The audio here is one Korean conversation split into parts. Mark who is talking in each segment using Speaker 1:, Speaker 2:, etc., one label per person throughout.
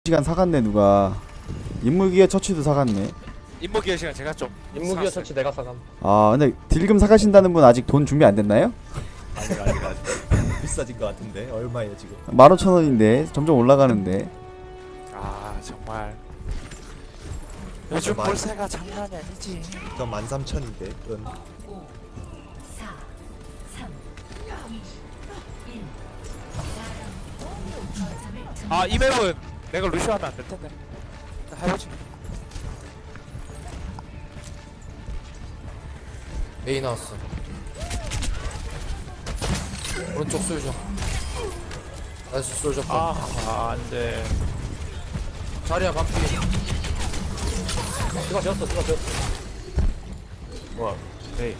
Speaker 1: 시간 사갔네. 누가 인물기어 처치도 사갔네.
Speaker 2: 인목기의 시간 제가 좀
Speaker 3: 인무기어
Speaker 2: 샀어요.
Speaker 3: 처치 내가 사감.
Speaker 1: 아 근데 딜금 사가신다는 분 아직 돈 준비 안 됐나요?
Speaker 4: 아직 비싸진 것 같은데 얼마예요 지금?
Speaker 1: 15,000원인데 점점 올라가는데.
Speaker 2: 아 정말 요즘
Speaker 4: 많이-
Speaker 2: 볼세가 장난이 아니지.
Speaker 4: 저 13,000인데 그건
Speaker 2: 아 이 맵은 내가 루시오 하면 안 될 텐데. 일단 해보지.
Speaker 3: A 나왔어. 오른쪽 쏠죠. 나이스 쏠죠.
Speaker 2: 안돼.
Speaker 3: 자리야 반피. 수가 지었어.
Speaker 2: 뭐야? 에이.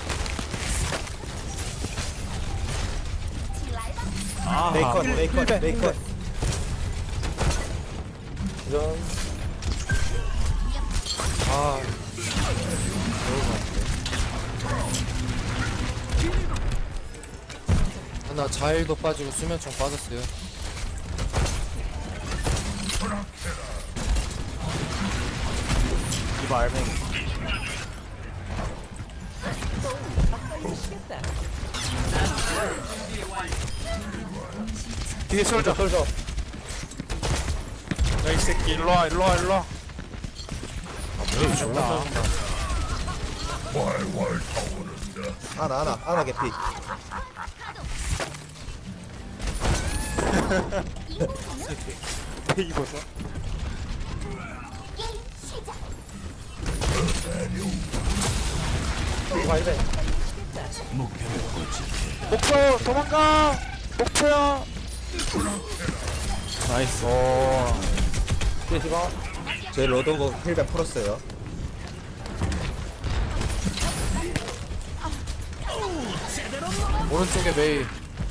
Speaker 2: 아
Speaker 4: 메이컨
Speaker 3: 전. 아. 나 자일도 빠지고 수면총 빠졌어요.
Speaker 2: 이봐 알맹이. 뒤에 쏠져. 야이 새끼 일로와.
Speaker 4: 아나 개피.
Speaker 2: 입어서. 목표 도망가. 목표야. 나이스.
Speaker 4: 제 로드오버 힐백 풀었어요.
Speaker 3: 오른쪽에 메이.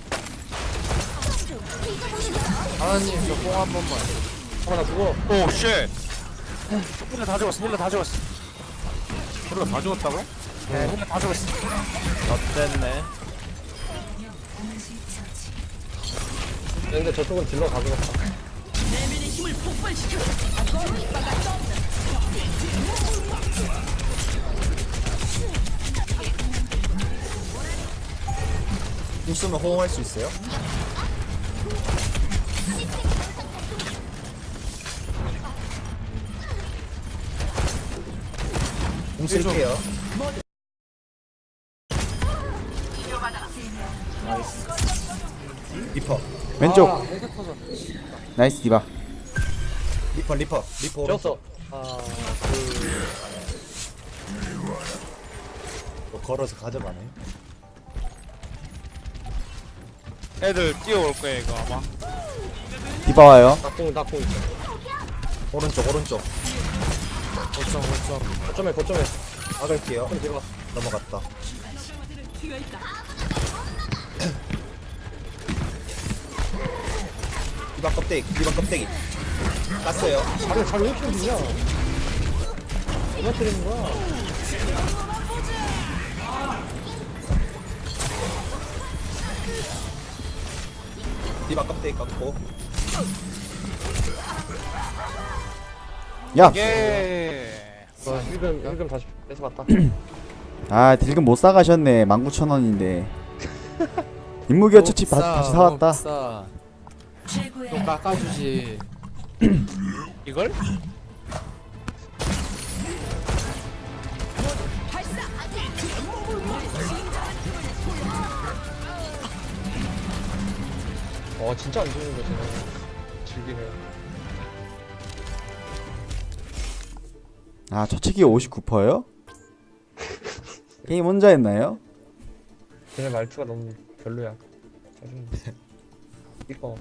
Speaker 3: 하나님 저 뽕 한 번만. 나 죽어.
Speaker 2: 오 쉣. 힐러 다 죽었어. 힐러 다 죽었어. 힐러 다 죽었다고? 네. 힐러 다 죽었어. 어땠네.
Speaker 3: 근데 저쪽은 딜러 다 죽었다.
Speaker 4: 힘 쓰면 호응할 수 있어요? 공 쓸게요. 리퍼
Speaker 1: 왼쪽. 나이스 디바.
Speaker 4: 리퍼
Speaker 3: 지었어.
Speaker 4: 걸어서 가져가네.
Speaker 2: 애들 뛰어올 거야 이거 아마.
Speaker 1: 디바 와요.
Speaker 3: 낙공 있어.
Speaker 4: 오른쪽
Speaker 3: 거점에.
Speaker 4: 막을게요.
Speaker 3: 뒤로 가.
Speaker 4: 넘어갔다. 디바 껍데기 깠어요.
Speaker 3: 자리 왜 이렇게 늦냐? 누가 때리는 거야?
Speaker 4: 디바 껍데기 깠고
Speaker 1: 야.
Speaker 2: 예.
Speaker 3: 힐금 다시 뺏어갔다.
Speaker 1: 아 딜금 못 사가셨네. 19,000원인데. 인물기어 처치 다시 사왔다.
Speaker 3: 좀 깎아주지.
Speaker 2: 이걸?
Speaker 3: 진짜 안 죽는 거지. 즐기네.
Speaker 1: 아 처치기 59%요? 게임 혼자 했나요?
Speaker 3: 걔네 말투가 너무 별로야. 짜증나. 이거.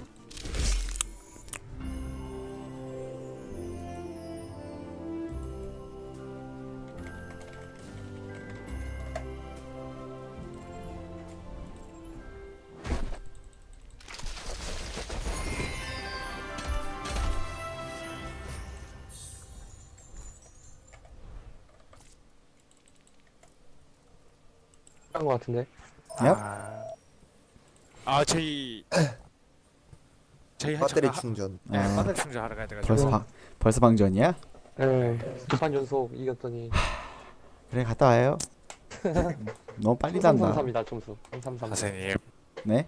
Speaker 3: 한거 같은데.
Speaker 1: 얍.
Speaker 2: 저희 저희
Speaker 4: 배터리
Speaker 2: 잠깐
Speaker 4: 충전.
Speaker 2: 네,
Speaker 1: 아.
Speaker 2: 배터리 충전하러 가야 돼가지고.
Speaker 1: 벌써 방전이야?
Speaker 3: 네, 2판 연속 이겼더니
Speaker 1: 그래 갔다 와요. 너무 빨리 단다.
Speaker 3: 333이다 점수. 333.
Speaker 2: 선생님
Speaker 1: 네?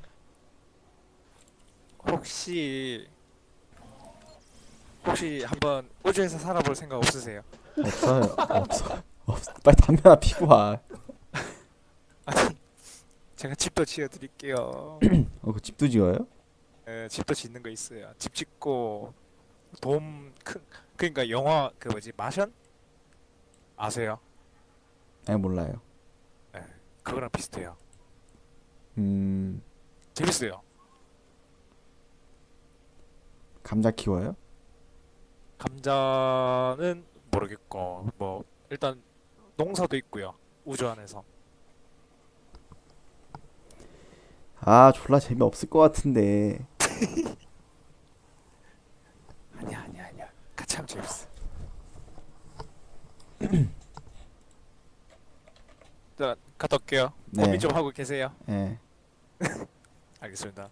Speaker 2: 혹시 한번 우주에서 살아볼 생각 없으세요?
Speaker 1: 없어요. 없어. 빨리 담배 하나 피고 와.
Speaker 2: 아니 제가 집도 지어드릴게요.
Speaker 1: 그 집도 지어요?
Speaker 2: 집도 짓는 거 있어요. 집 짓고 그러니까 영화 그 뭐지 마션 아세요?
Speaker 1: 아니 몰라요.
Speaker 2: 그거랑 비슷해요.
Speaker 1: 음
Speaker 2: 재밌어요.
Speaker 1: 감자 키워요?
Speaker 2: 감자는 모르겠고 뭐 일단 농사도 있고요. 우주 안에서.
Speaker 1: 아 졸라 재미 없을 것 같은데.
Speaker 2: 아니야. 같이 하면 재밌어. 자, 갔다 올게요.
Speaker 1: 네.
Speaker 2: 고민 좀 하고 계세요.
Speaker 1: 예.
Speaker 2: 알겠습니다.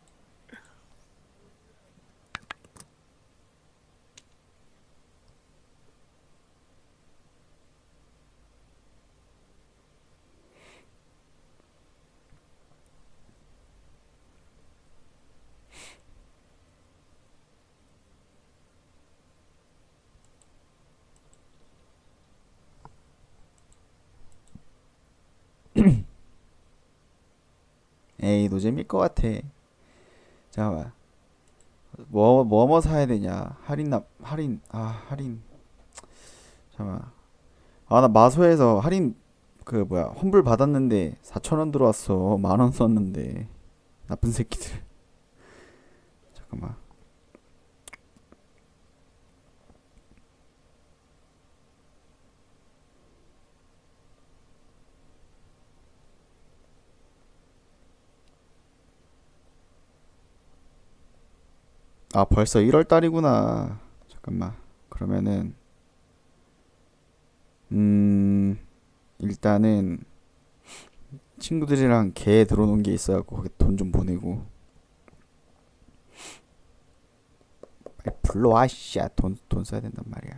Speaker 1: 에이 노잼일 것 같아. 잠깐만. 뭐 사야 되냐? 할인. 잠깐만. 아 나 마소에서 할인 그 뭐야 환불 받았는데 4,000원 들어왔어. 10,000원 썼는데 나쁜 새끼들. 잠깐만. 아 벌써 1월 달이구나. 잠깐만. 그러면은 일단은 친구들이랑 개 들어놓은 게 있어갖고 거기 돈 좀 보내고. 빨리 불러와 씨야. 돈 써야 된단 말이야.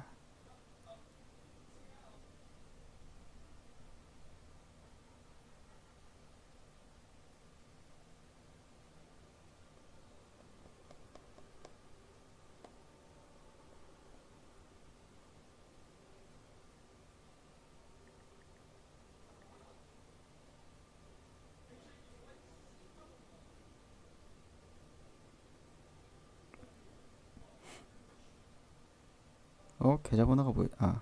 Speaker 1: 계좌번호가 뭐야? 아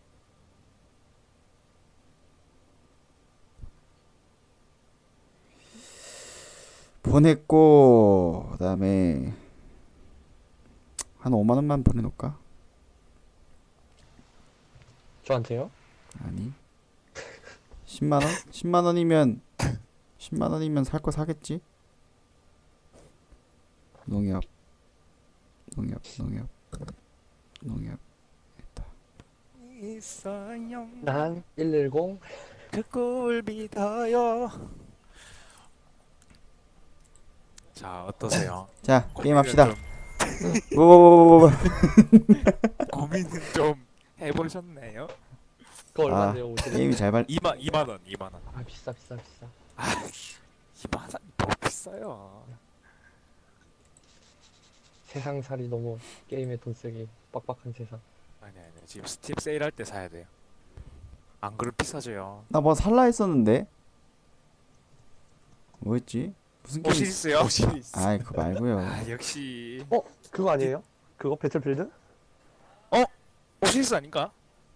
Speaker 1: 보냈고 그다음에 한 5만 원만 보내놓을까?
Speaker 3: 저한테요?
Speaker 1: 아니 10만 원? 10만 원이면 살 거 사겠지? 농협 됐다.
Speaker 2: 있어요.
Speaker 3: 난 110.
Speaker 2: 그꿀 믿어요. 자 어떠세요?
Speaker 1: 자 게임 합시다.
Speaker 2: 고민은
Speaker 1: 뭐
Speaker 2: 고민은 좀 해보셨나요?
Speaker 3: 그거
Speaker 1: 아,
Speaker 3: 얼마인데요?
Speaker 1: 게임이 잘 발.
Speaker 2: 2만 원.
Speaker 3: 아 비싸.
Speaker 2: 2만 원 너무 비싸요.
Speaker 3: 세상살이 너무 게임에 돈 쓰기 빡빡한 세상.
Speaker 2: 아니 지금 스팀 세일할 때 사야 돼요. 안 그럼 비싸져요.
Speaker 1: 나 뭐 살라 했었는데 뭐였지? 무슨 게임?
Speaker 2: 오시리스요?
Speaker 1: 아이 그거 말고요.
Speaker 2: 아 역시
Speaker 3: 그거 아니에요? 그거 배틀필드?
Speaker 2: 오시리스 아닌가?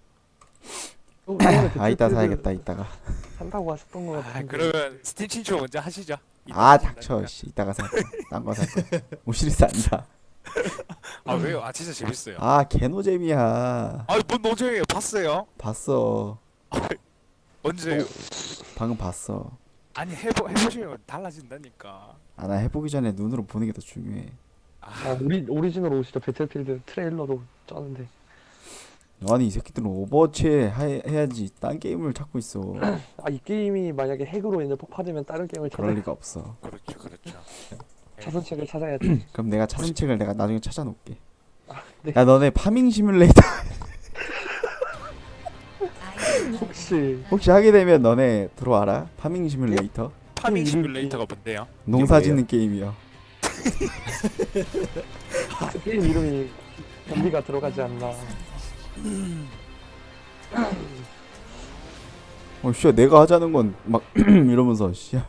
Speaker 1: 아 이따 사야겠다 이따가.
Speaker 3: 산다고 하셨던 거
Speaker 2: 아
Speaker 3: 같은데.
Speaker 2: 그러면 스팀 친추 먼저 하시죠.
Speaker 1: 아 닥쳐 씨 이따가 살. 딴 거 살. 오시리스 아니다.
Speaker 2: 아 왜요? 아 진짜 재밌어요.
Speaker 1: 아 개노잼이야.
Speaker 2: 아뭔 노잼이에요? 봤어요?
Speaker 1: 봤어.
Speaker 2: 언제요?
Speaker 1: 방금 봤어.
Speaker 2: 아니 해보시면 달라진다니까.
Speaker 1: 아 나 해보기 전에 눈으로 보는 게 더 중요해.
Speaker 3: 아 오리지널 오시죠. 배틀필드 트레일러로 쩌는데.
Speaker 1: 아니 이 새끼들은 오버워치 해야지 딴 게임을 찾고 있어.
Speaker 3: 아 이 게임이 만약에 핵으로 인해 폭파되면 다른 게임을
Speaker 1: 그럴
Speaker 3: 찾아.
Speaker 1: 리가 없어.
Speaker 2: 그렇죠.
Speaker 3: 자선책을 찾아야지.
Speaker 1: 그럼 내가 차선책을 내가 나중에 찾아놓을게.
Speaker 3: 네.
Speaker 1: 야 너네 파밍 시뮬레이터
Speaker 3: 혹시
Speaker 1: 하게 되면 너네 들어와라. 파밍 시뮬레이터.
Speaker 2: 파밍
Speaker 3: 이름-
Speaker 2: 시뮬레이터가 뭔데요?
Speaker 1: 농사 짓는 게임이야.
Speaker 3: 게임 이름이 변비가 들어가지 않나.
Speaker 1: 씨야 내가 하자는 건 막 이러면서 씨야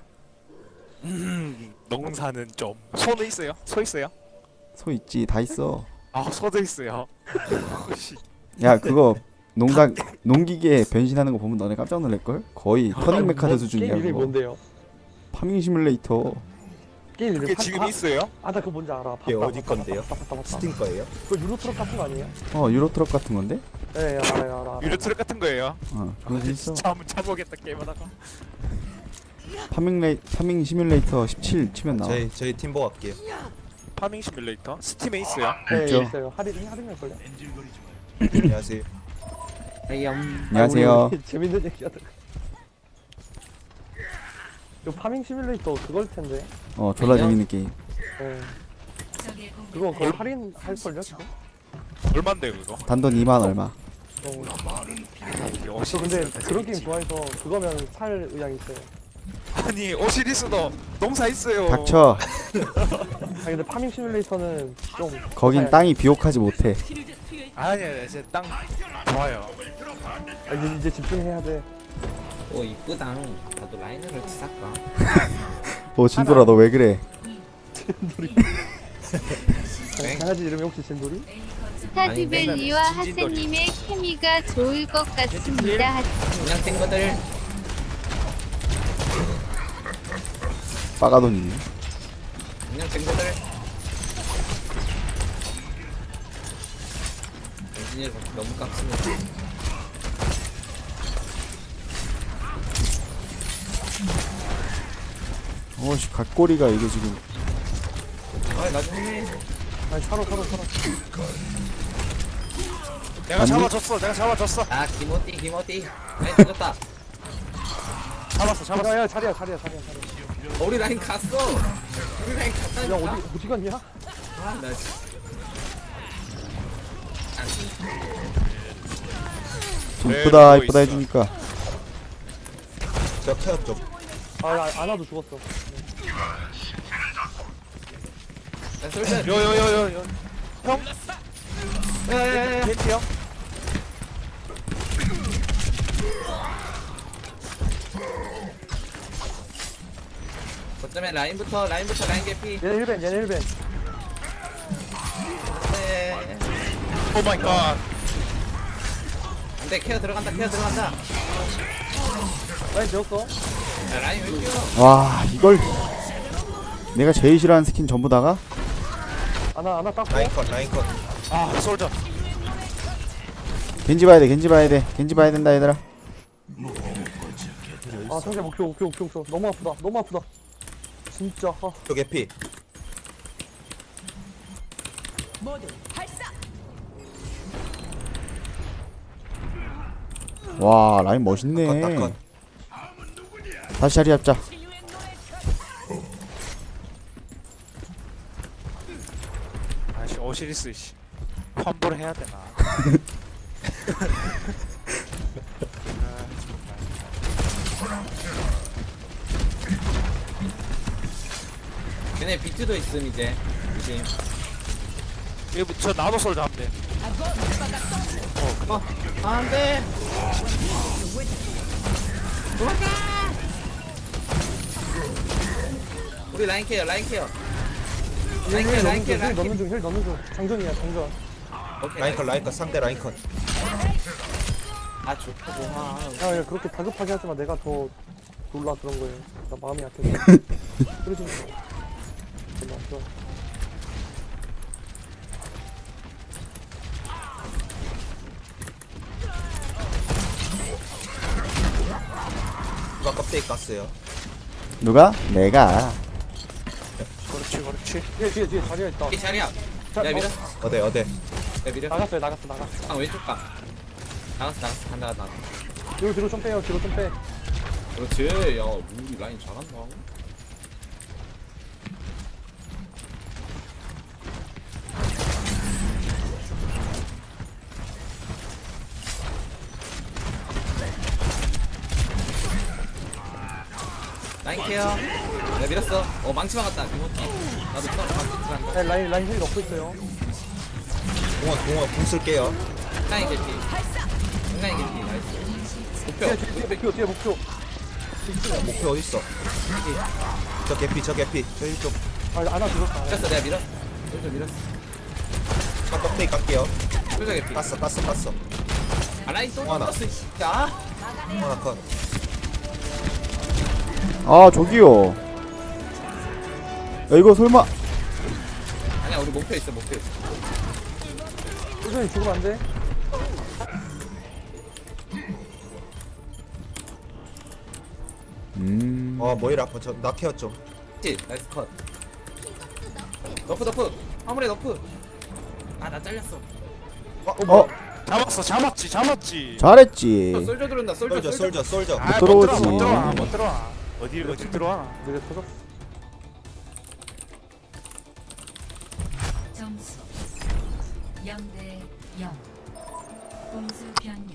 Speaker 2: 농사는 좀 소는 있어요? 소 있어요?
Speaker 1: 소 있지 다 있어.
Speaker 2: 아 소도 있어요. 씨.
Speaker 1: 야 그거 농기계 변신하는 거 보면 너네 깜짝 놀랄걸? 거의 터닝 메카드 수준이야
Speaker 3: 게임 이름이
Speaker 1: 그거.
Speaker 3: 뭔데요?
Speaker 1: 파밍 시뮬레이터.
Speaker 3: 게임 이름
Speaker 2: 그게 지금 있어요?
Speaker 3: 나 그거 뭔지 알아.
Speaker 4: 이게
Speaker 3: 봤다,
Speaker 4: 어디
Speaker 3: 봤다,
Speaker 4: 건데요?
Speaker 3: 봤다, 봤다, 봤다.
Speaker 4: 스팀 거예요?
Speaker 3: 그거 유로트럭 같은 거 아니에요?
Speaker 1: 유로트럭 같은 건데?
Speaker 3: 네, 알아.
Speaker 2: 유료트랙 같은 거예요.
Speaker 1: 그거 있어.
Speaker 2: 진짜 한번 잡아보겠다 게임하다가.
Speaker 1: 파밍 시뮬레이터 17 치면 나와.
Speaker 4: 저희 팀보 갈게요.
Speaker 2: 파밍 시뮬레이터 스팀에 있어요.
Speaker 3: 네,
Speaker 1: 있죠.
Speaker 3: 있어요. 할인할 걸요?
Speaker 4: 안녕하세요.
Speaker 1: 안녕하세요.
Speaker 3: 재밌는 얘기 하다가. 이 파밍 시뮬레이터 그걸 텐데.
Speaker 1: 졸라 재밌는 게임.
Speaker 3: 네. 그거 거의 할인할 걸요 지금?
Speaker 2: 얼마인데 그거?
Speaker 1: 단돈 2만 얼마.
Speaker 3: 저 근데 그런 게임 좋아해서 그거면 살 의향이 있어요.
Speaker 2: 아니 오시리스도 농사 있어요.
Speaker 1: 닥쳐.
Speaker 3: 아 근데 파밍 시뮬레이터는 좀
Speaker 1: 거긴 땅이 비옥하지 못해.
Speaker 2: 아니 이제 땅 좋아요.
Speaker 3: 이제 집중해야 돼.
Speaker 5: 오 이쁘당. 나도 라인을 살까?
Speaker 1: 진돌아 너 왜 그래?
Speaker 3: 강아지 이름이 혹시 진돌이?
Speaker 6: 스타드밸리와 하세님의 케미가 좋을 것 같습니다.
Speaker 5: 그냥 친구들.
Speaker 1: 빠가돈이네.
Speaker 5: 그냥 친구들. 엔지니어 너무 깝습니다.
Speaker 1: 씨 갓꼬리가 이게 지금.
Speaker 5: 아 나중에.
Speaker 3: 아니 살아.
Speaker 2: 내가 잡아줬어.
Speaker 5: 아 김어띠. 라인 터졌다.
Speaker 2: 잡았어.
Speaker 3: 야 자리야.
Speaker 5: 우리 라인 갔어. 우리 라인 갔다니까.
Speaker 3: 야 어디 갔냐?
Speaker 5: 아나
Speaker 1: 좀
Speaker 2: 네,
Speaker 1: 이쁘다
Speaker 2: 누워 있어.
Speaker 1: 해주니까.
Speaker 4: 제가 태엽 좀.
Speaker 3: 아나도 죽었어.
Speaker 5: 솔전.
Speaker 2: 요요요요. 형
Speaker 5: 야야야야.
Speaker 2: 겐지 형.
Speaker 5: 거점에 라인부터 라인 개피.
Speaker 3: 얘네 1벤.
Speaker 5: 네.
Speaker 2: 오 마이 갓.
Speaker 5: 안돼 케어 들어간다.
Speaker 3: 라인 되었어.
Speaker 5: 야, 라인 왜 뛰어?
Speaker 1: 와 이걸 내가 제일 싫어하는 스킨 전부 다가
Speaker 3: 아나 땄고.
Speaker 4: 라인 컷.
Speaker 2: 아 솔저.
Speaker 1: 겐지 봐야 돼. 겐지 봐야 된다 얘들아.
Speaker 3: 아 상대 목표. 너무 아프다. 진짜.
Speaker 4: 저 개피.
Speaker 1: 와 라인 멋있네.
Speaker 4: 컷.
Speaker 1: 다시 자리 잡자.
Speaker 2: 아씨 오시리스 씨. 환불 해야 되나?
Speaker 5: 걔네 비트도 있음 이제. 조심.
Speaker 2: 이거 저 나도 솔저 하면 돼.
Speaker 5: 안돼. 우리 라인 케어.
Speaker 3: 힐 넣는 중. 장전이야.
Speaker 5: 오케이.
Speaker 4: 라인 컷. 상대 라인 컷.
Speaker 5: 아 좋다 좋아.
Speaker 3: 야 그렇게 다급하게 하지마. 내가 더 놀라 그런 거예요. 나 마음이 약해서. 그러지 마. 좋아.
Speaker 4: 누가 껍데기 깠어요?
Speaker 1: 누가? 내가.
Speaker 2: 그렇지.
Speaker 3: 뒤에 자리가 있다.
Speaker 5: 이 자리야.
Speaker 3: 자,
Speaker 5: 야 밀어.
Speaker 4: 어디?
Speaker 5: 야 밀어.
Speaker 3: 나갔어.
Speaker 5: 아 왼쪽 가. 나갔어. 간다.
Speaker 3: 뒤로 좀 빼.
Speaker 5: 그렇지. 야 우리 라인 잘한다. 라인 케어. 내가 밀었어. 망치 막았다. 이모티. 나도 망치 들어간다.
Speaker 3: 라인 힐 넣고 있어요.
Speaker 4: 공원 궁 쓸게요.
Speaker 5: 라인 개피. 라인 개피. 나이스. 목표.
Speaker 3: 뒤에 목표.
Speaker 4: 목표 어딨어? 저 개피 저 이쪽
Speaker 3: 안아 죽었다.
Speaker 5: 밀었어. 내가 밀었어. 좀 밀었어.
Speaker 4: 깜빡이 깎게요.
Speaker 5: 쫄자 개피.
Speaker 4: 깠어.
Speaker 5: 아 라인 또
Speaker 4: 하나.
Speaker 5: 떴어. 야.
Speaker 4: 하나 컷.
Speaker 1: 아 저기요. 야 이거 설마
Speaker 5: 아니야 우리 목표 있어. 목표 있어.
Speaker 3: 꾸준히 죽으면 안 돼.
Speaker 4: 모이라 아파. 나 케어 좀.
Speaker 5: 그치? 나이스 컷. 너프. 화물에 너프. 아 나 잘렸어.
Speaker 1: 어
Speaker 2: 잡았지.
Speaker 1: 잘했지.
Speaker 5: 솔져 들어온다. 솔져.
Speaker 4: 솔져.
Speaker 2: 아,
Speaker 1: 들어오지.
Speaker 2: 못 들어와. 어디 들어와?
Speaker 3: 내가 터졌어.
Speaker 7: 점수 0대 0 공수 변경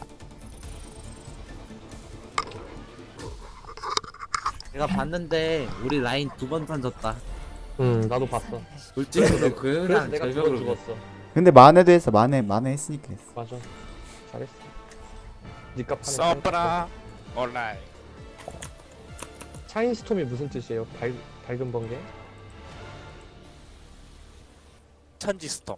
Speaker 8: 내가 봤는데 우리 라인 2번 던졌다.
Speaker 3: 나도 봤어.
Speaker 5: 돌진으로
Speaker 3: 그래서
Speaker 5: 그냥
Speaker 3: 내가
Speaker 5: 절벽으로
Speaker 3: 죽었어.
Speaker 1: 근데 만회도 했어. 만회 했으니까 했어.
Speaker 3: 맞아. 잘했어. 니값 하는
Speaker 2: 써봐라. 온라인.
Speaker 3: 차인스톰이 무슨 뜻이에요? 밝은 번개?
Speaker 2: 천지 스톱.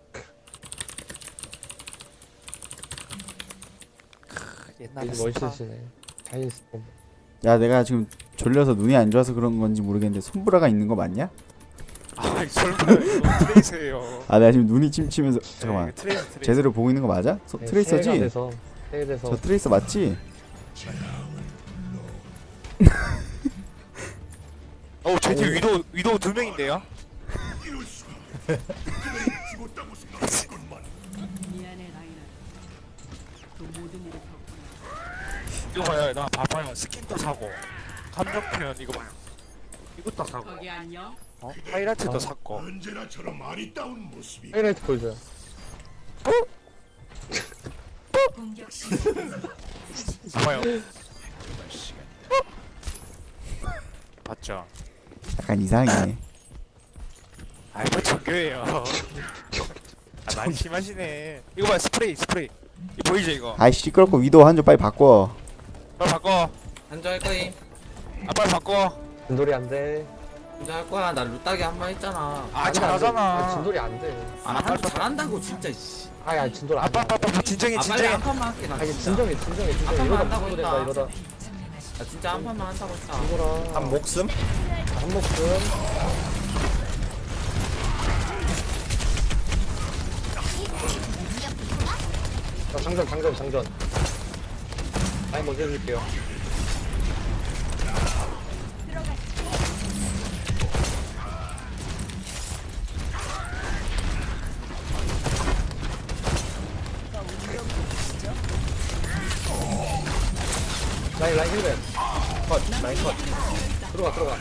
Speaker 2: 옛날에
Speaker 3: 되게 멋있으시네. 차인스톰.
Speaker 1: 야 내가 지금 졸려서 눈이 안 좋아서 그런 건지 모르겠는데 손브라가 있는 거 맞냐?
Speaker 2: 아 설마 이거 트레이스예요.
Speaker 1: 아 내가 지금 눈이 침치면서 잠깐만
Speaker 2: 네, 트레이스.
Speaker 1: 제대로 보고 있는 거 맞아? 트레이서지?
Speaker 3: 세일돼서
Speaker 1: 저 트레이서 맞지?
Speaker 2: 제 뒤에 위도우 2명인데요. 이거 봐요, 나 봐봐요. 스킨도 사고, 감정 표현 이거 봐요. 이것도 사고. 하이라이트도 샀고.
Speaker 3: 하이라이트 보여줘요.
Speaker 7: 공격 시
Speaker 2: 봐봐요. 봤죠?
Speaker 1: 약간 이상해.
Speaker 2: 아이 뭐 정교해요. 아 많이 심하시네. 이거 봐 스프레이. 이거 보이죠 이거?
Speaker 1: 아이 시끄럽고 위도우 한줄 빨리 바꿔.
Speaker 2: 빨리 바꿔.
Speaker 5: 한조 할 거임.
Speaker 2: 아 빨리 바꿔.
Speaker 3: 진돌이 안 돼.
Speaker 5: 한조 할 거야. 나 루따기 한 번 했잖아.
Speaker 2: 아 잘하잖아.
Speaker 3: 진돌이 안 돼.
Speaker 5: 아 한조 잘한다고 진짜. 씨.
Speaker 3: 진돌 안 돼.
Speaker 2: 아빠 진정해.
Speaker 5: 아 빨리 한 판만 할게 나. 진짜.
Speaker 3: 진정해.
Speaker 5: 아빠만
Speaker 3: 이러다
Speaker 5: 한다고
Speaker 3: 무슨
Speaker 5: 했다.
Speaker 3: 이러다.
Speaker 5: 나 진짜 한 판만 한다고 했다.
Speaker 3: 진돌아.
Speaker 4: 한 목숨?
Speaker 3: 한 목숨. 장전. 아니 먼저 해줄게요. 라인 힐맨.
Speaker 4: 라인 컷.
Speaker 3: 들어가.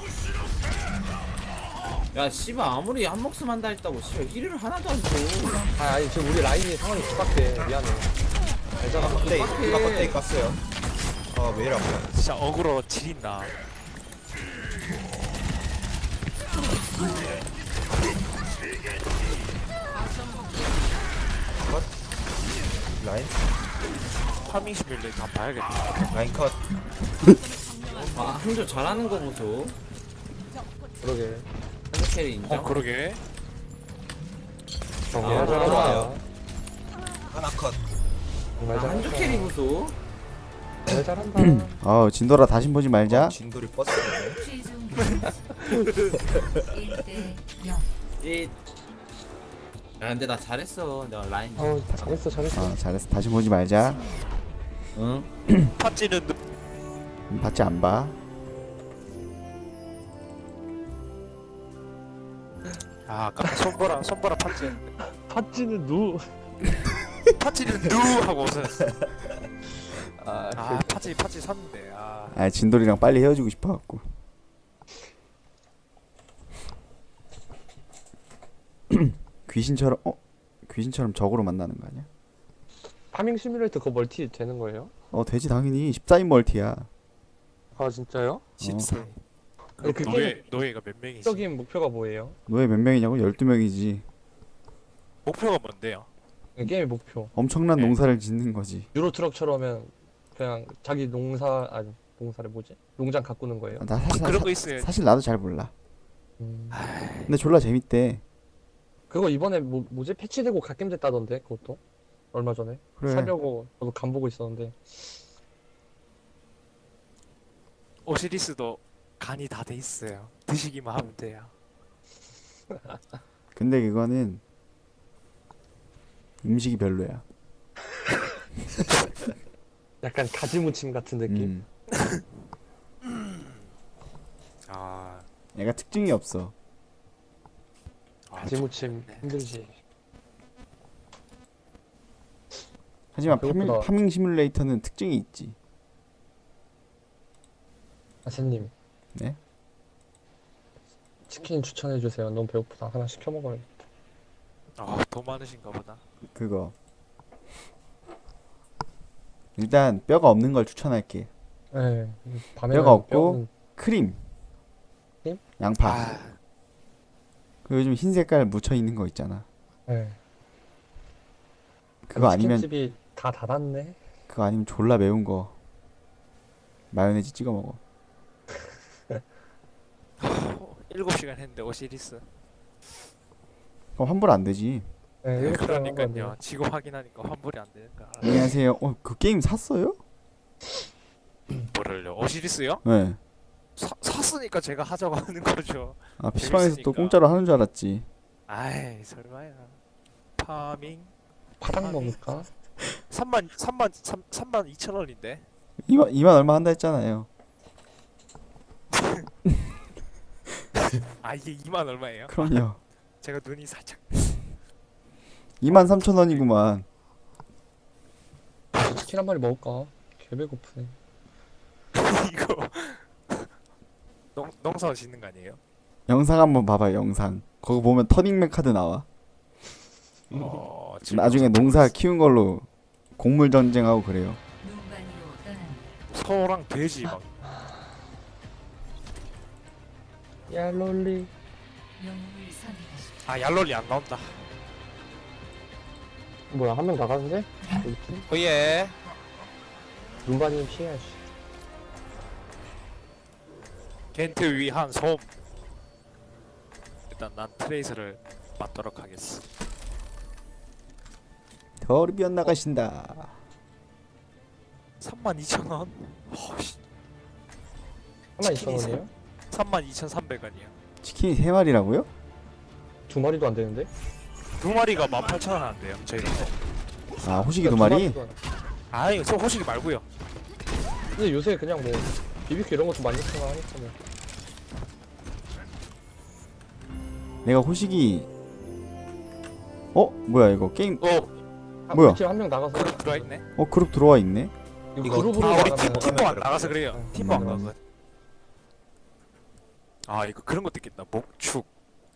Speaker 5: 야 씨발 아무리 한 목숨 한다 했다고 씨발 힐을 하나도 안 줘.
Speaker 3: 아니 지금 우리 라인이 상황이 급박해. 미안해. 알잖아.
Speaker 4: 껍데기 깠어요. 왜 이래 아파.
Speaker 2: 진짜 어그로 지린다.
Speaker 4: 라인?
Speaker 2: 파밍 시뮬레이터 한번 봐야겠다.
Speaker 4: 라인 컷.
Speaker 5: 아 한조 잘하는 거 보소.
Speaker 3: 그러게.
Speaker 5: 한조 캐리 인정.
Speaker 2: 그러게.
Speaker 3: 정말
Speaker 5: 아,
Speaker 3: 잘한다.
Speaker 5: 좋아요.
Speaker 4: 하나 컷.
Speaker 3: 정말
Speaker 5: 아,
Speaker 3: 잘한다.
Speaker 5: 한조 캐리 보소.
Speaker 3: 정말 잘한다.
Speaker 1: 아 진돌아 다시 보지 말자.
Speaker 4: 진돌이 버스.
Speaker 7: 최종 점수 1대 0
Speaker 5: 이. 야 근데 나 잘했어. 내가 라인.
Speaker 3: 잘했어.
Speaker 1: 잘했어. 다시 보지 말자.
Speaker 5: 응.
Speaker 2: 팥찌는
Speaker 1: 봤지 안 봐.
Speaker 2: 아 아까 손보라 팥찌.
Speaker 3: 팥찌는 누.
Speaker 2: 팥찌는 누 하고 웃었어. 아 팥찌 샀는데.
Speaker 1: 아 진돌이랑 빨리 헤어지고 싶어갖고. 귀신처럼 적으로 만나는 거 아니야?
Speaker 3: 파밍 시뮬레이터 그거 멀티 되는 거예요?
Speaker 1: 되지 당연히 14인 멀티야.
Speaker 3: 아 진짜요?
Speaker 4: 10세.
Speaker 3: 아니, 그
Speaker 2: 노예가 몇 명이지?
Speaker 3: 적인 목표가 뭐예요?
Speaker 1: 너의 몇 명이냐고? 12명이지.
Speaker 2: 목표가 뭔데요?
Speaker 3: 게임의 목표.
Speaker 1: 엄청난
Speaker 2: 네.
Speaker 1: 농사를 짓는 거지.
Speaker 3: 유로트럭처럼은 그냥 자기 농사를 뭐지? 농장 가꾸는 거예요.
Speaker 1: 나 사실,
Speaker 2: 그런 거 있어요.
Speaker 1: 사실 나도 잘 몰라.
Speaker 3: 음.
Speaker 1: 근데 졸라 재밌대.
Speaker 3: 그거 이번에 뭐지? 패치되고 갓겜 됐다던데 그것도 얼마 전에
Speaker 1: 그래.
Speaker 3: 사려고 저도 간 보고 있었는데.
Speaker 2: 오시리스도 간이 다 돼 있어요. 드시기만 하면 돼요.
Speaker 1: 근데 그거는 음식이 별로야.
Speaker 3: 약간 가지무침 같은 느낌.
Speaker 2: 아,
Speaker 1: 얘가 특징이 없어.
Speaker 3: 가지무침
Speaker 2: 네.
Speaker 3: 힘들지.
Speaker 1: 하지만
Speaker 3: 그것보다-
Speaker 1: 파밍 시뮬레이터는 특징이 있지.
Speaker 3: 아세님.
Speaker 1: 네?
Speaker 3: 치킨 추천해 주세요. 너무 배고프다. 하나 시켜 먹어요.
Speaker 2: 돈 많으신가 보다.
Speaker 1: 그거. 일단 뼈가 없는 걸 추천할게.
Speaker 3: 네. 밤에
Speaker 1: 뼈가 없고 크림.
Speaker 3: 크림?
Speaker 1: 양파.
Speaker 2: 아,
Speaker 1: 그 요즘 흰 색깔 묻혀 있는 거 있잖아.
Speaker 3: 네.
Speaker 1: 그거 아니면
Speaker 3: 치킨집이 다 닫았네.
Speaker 1: 그거 아니면 졸라 매운 거. 마요네즈 찍어 먹어.
Speaker 2: 7시간 했는데 오시리스.
Speaker 1: 그럼 환불 안 되지.
Speaker 3: 네, 이렇게 하는 거
Speaker 2: 그러니까요.
Speaker 3: 같네요.
Speaker 2: 지금 확인하니까 환불이 안 되니까.
Speaker 1: 안녕하세요. 그 게임 샀어요?
Speaker 2: 뭐를요? 오시리스요?
Speaker 1: 네.
Speaker 2: 샀으니까 제가 하자고 하는 거죠.
Speaker 1: 아 PC방에서 또
Speaker 2: 재밌으니까.
Speaker 1: 공짜로 하는 줄 알았지.
Speaker 2: 아이, 설마야. 파밍
Speaker 3: 파당 먹을까?
Speaker 2: 3만 2천 원인데.
Speaker 1: 2만 얼마 한다 했잖아요.
Speaker 2: 아, 이게 2만 얼마예요?
Speaker 1: 그럼요.
Speaker 2: 제가 눈이 살짝
Speaker 1: 23,000원이구만.
Speaker 3: 치킨 한 마리 먹을까? 개 배고프네.
Speaker 2: 이거 농사 짓는 거 아니에요?
Speaker 1: 영상 한번 봐봐요. 영상. 거기 보면 터닝맨 카드 나와.
Speaker 2: 지금
Speaker 1: 나중에 농사 키운 걸로 곡물 전쟁하고 그래요.
Speaker 7: 눈반이로 떠납니다.
Speaker 2: 소랑 돼지 막.
Speaker 3: 야 롤리.
Speaker 7: 영웅을 선택하십시오.
Speaker 2: 아, 얄롤리 안 나온다.
Speaker 3: 뭐야 한 명 나가는데? 우리 팀?
Speaker 2: 오예.
Speaker 3: 눈반이는 피해야지.
Speaker 2: 겐트 위한 솜. 일단 난 트레이서를 맞도록 하겠어.
Speaker 1: 더르비언 나가신다.
Speaker 2: 32,000원? 허씨.
Speaker 3: 32,000원이에요?
Speaker 2: 32,300원이야.
Speaker 1: 치킨이 3마리라고요?
Speaker 3: 두 마리도 안 되는데?
Speaker 2: 두 마리가 18,000원 안 돼요. 저희 거.
Speaker 1: 아 호식이 2마리?
Speaker 2: 아니, 저 호식이 말고요.
Speaker 3: 근데 요새 그냥 뭐 BBQ 이런 것도 많이 쓰나 하니까 뭐.
Speaker 1: 내가 호식이 뭐야 이거 게임 뭐야?
Speaker 3: 우리 팀 한 명 나가서
Speaker 2: 그룹 들어와 있네.
Speaker 1: 그룹 들어와 있네?
Speaker 3: 이거 그룹으로
Speaker 2: 우리
Speaker 3: 나가면
Speaker 2: 팀보 안 나가서 그래요. 팀보 안
Speaker 1: 음.
Speaker 2: 가거든. 아, 이거 그런 것도 있겠다. 목축,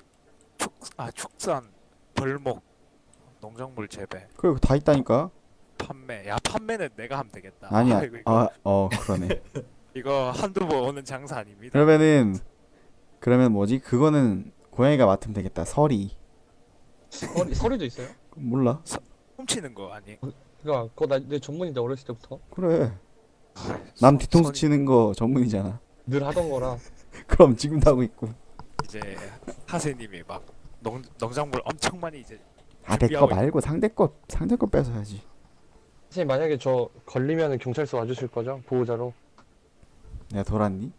Speaker 2: 축산, 벌목, 농작물 재배,
Speaker 1: 그래 다 있다니까.
Speaker 2: 판매. 야, 판매는 내가 하면 되겠다.
Speaker 1: 아니야.
Speaker 2: 이거
Speaker 1: 그러네.
Speaker 2: 이거 한두 번 오는 장사 아닙니다.
Speaker 1: 그러면 뭐지? 그거는 고양이가 맡으면 되겠다. 서리.
Speaker 3: 서리도 있어요?
Speaker 1: 몰라.
Speaker 2: 훔치는 거 아니?
Speaker 3: 그니까 그거 내 전문인데 어렸을 때부터
Speaker 1: 그래. 남 뒤통수
Speaker 2: 손이
Speaker 1: 치는 거 전문이잖아.
Speaker 3: 늘 하던 거라.
Speaker 1: 그럼 지금도 하고 있고.
Speaker 2: 이제 하세님이 막 농작물 엄청 많이 이제
Speaker 1: 아 내 거
Speaker 2: 준비하고
Speaker 1: 말고 상대 거 뺏어야지.
Speaker 3: 선생님 만약에 저 걸리면 경찰서 와주실 거죠? 보호자로.
Speaker 1: 내가 돌았니?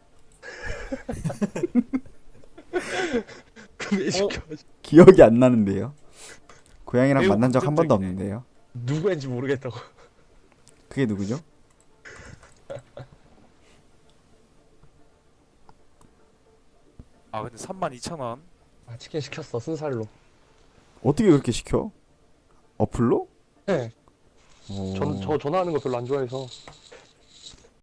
Speaker 3: 왜 시켜?
Speaker 1: 기억이 안 나는데요. 고양이랑
Speaker 2: 매우
Speaker 1: 만난 적 한 번도
Speaker 2: 긍정적이네.
Speaker 1: 없는데요.
Speaker 3: 누구인지 모르겠다고.
Speaker 1: 그게 누구죠?
Speaker 2: 아, 근데 32,000원.
Speaker 3: 아 치킨 시켰어 순살로.
Speaker 1: 어떻게 그렇게 시켜? 어플로?
Speaker 3: 네.
Speaker 1: 오.
Speaker 3: 저 전화하는 거 별로 안 좋아해서